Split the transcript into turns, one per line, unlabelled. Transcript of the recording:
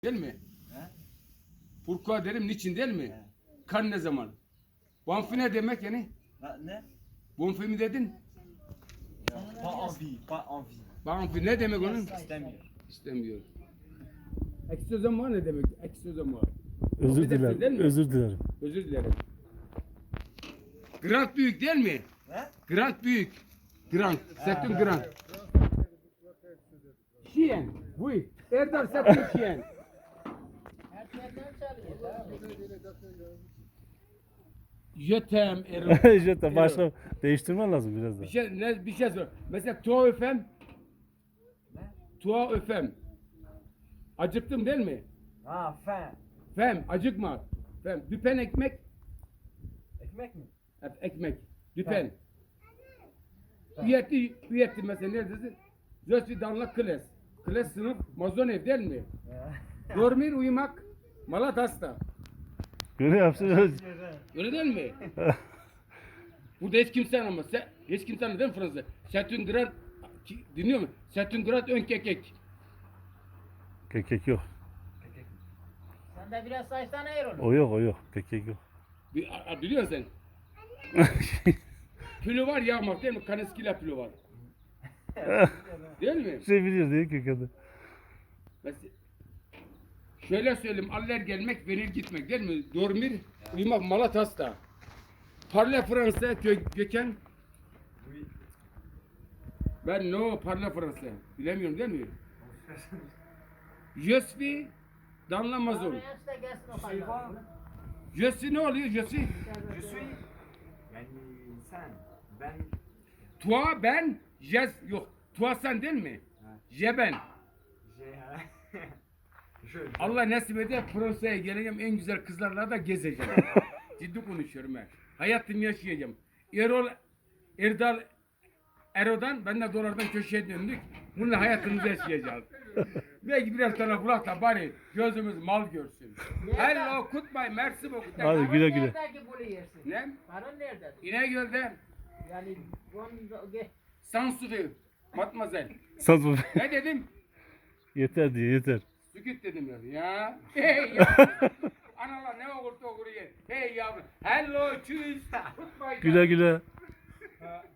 Değil mi? Pourquoi derim, niçin değil mi? Kan ne zaman? Bonfi ne demek yani?
Ne?
Bonfi mi dedin?
Pas envie, pas envie.
Bonfi ne demek onun?
İstemiyor.
İstemiyor. Eksozama ne demek? Eksozama.
Özür
Affedersin, değil
dilerim.
mi?
Özür dilerim.
Özür dilerim. Grand büyük değil mi?
He?
Grand büyük. Grand. Setün grand. Şiyen. Bu. Erdal setün şiyen. Jötem Erol.
İşte başla değiştirmen lazım biraz da.
Bir şey sor. Mesela tuğa öfem. Tuğa öfem. Acıktım değil mi?
Ha, faim.
Fem acıkma. Fem düpen ekmek.
Ekmek mi?
Ekmek. Düpen. Üyetti mesela neredesin? Je suis dans la classe. Klas sınıf mazon ev değil mi? Dormir uyumak. Malat hasta.
Göre yapsın.
Öyle değil mi? Burada hiç kimse anlamaz. Hiç kimse anlamaz değil mi Fransızca? Setüngrat dinliyor mu? Setüngrat ön kekek.
Kekek yok.
Sen de biraz saçtan ayır onu.
O yok o yok. Kekek yok.
Biliyorsun sen. Pülü var yağmak değil mi? Kaneskila pülü var. Değil mi?
Şey biliyor değil kekede.
Mesela, şöyle söyleyeyim. Aller gelmek, venir gitmek değil mi? Dormir, uyumak, malat hasta. Parle Fransa, Gökhan. Ben no parle Fransa. Bilemiyorum değil mi? Je suis dans la maison.
Oraya işte gelsin o kadar.
Je suis ne oluyor? Je suis.
Je suis. Yani sen. Ben.
Toi, ben, yok. Toi sen değil mi? Je ben.
Je.
Allah nasip eder Fransa'ya geleceğim, en güzel kızlarla da gezeceğim. Ciddi konuşuyorum ben. Hayatımı yaşayacağım. Erdal Ero'dan, ben de dolardan köşeye döndük. Bununla hayatımızı yaşayacağız. Belki birer tane bulak da bari gözümüz mal görsün. Hello, goodbye, merci beaucoup.
Hadi güle güle.
Nerede ki bunu yersin?
Ne?
Paran nerede?
İnegöl'de
Yani
Sansufi, matmazel.
Saz bu.
Ne dedim?
Yeter diye yeter.
Sükut dedim ya. Hey yavrum. Analar ne okursa okur ye. Hey yavrum. Hello, tschüss. Goodbye.
Güle güle.
Ha,